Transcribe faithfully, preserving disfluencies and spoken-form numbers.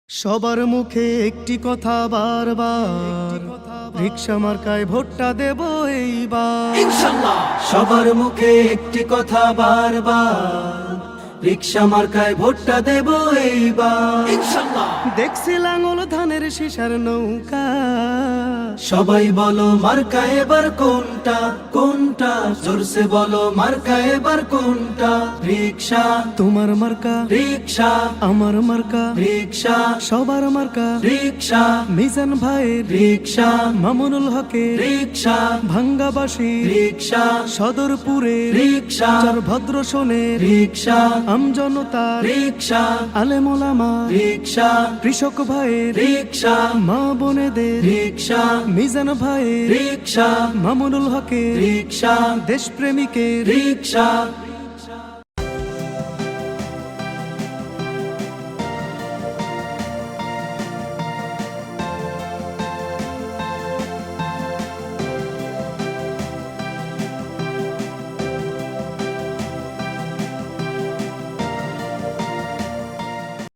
সবার মুখে একটি কথা বারবার, রিকশা মার্কায় ভোটটা দেব এইবার ইনশাআল্লাহ। সবার মুখে একটি কথা বারবার, রিকশা মার্কায় ভোটটা দেব এইবার ইনশাআল্লাহ। দেখছি লাঙল ধানের শিশার নৌকা, সবাই বলো মার্কা এবার কোনটা কোনটা, জোরসে বলো মার্কা এবার কোনটা। রিকশা তোমার মার্কা, রিকশা আমার মার্কা, রিকশা সবার মার্কা, রিকশা মিজান ভাইয়ের, রিকশা মামুনুল হকের, রিকশা ভাঙ্গাবাসী, রিকশা সদরপুরের, রিকশা চার ভদ্র শোনের, রিকশা আমজনতার, রিকশা আলেমোলামা, রিকশা কৃষক ভাইয়ের, রিকশা মা বোনেদের, রিকশা মিজান ভাইয়ের, রিকশা মামুনুল হকের, রিকশা দেশপ্রেমিকের, রিকশা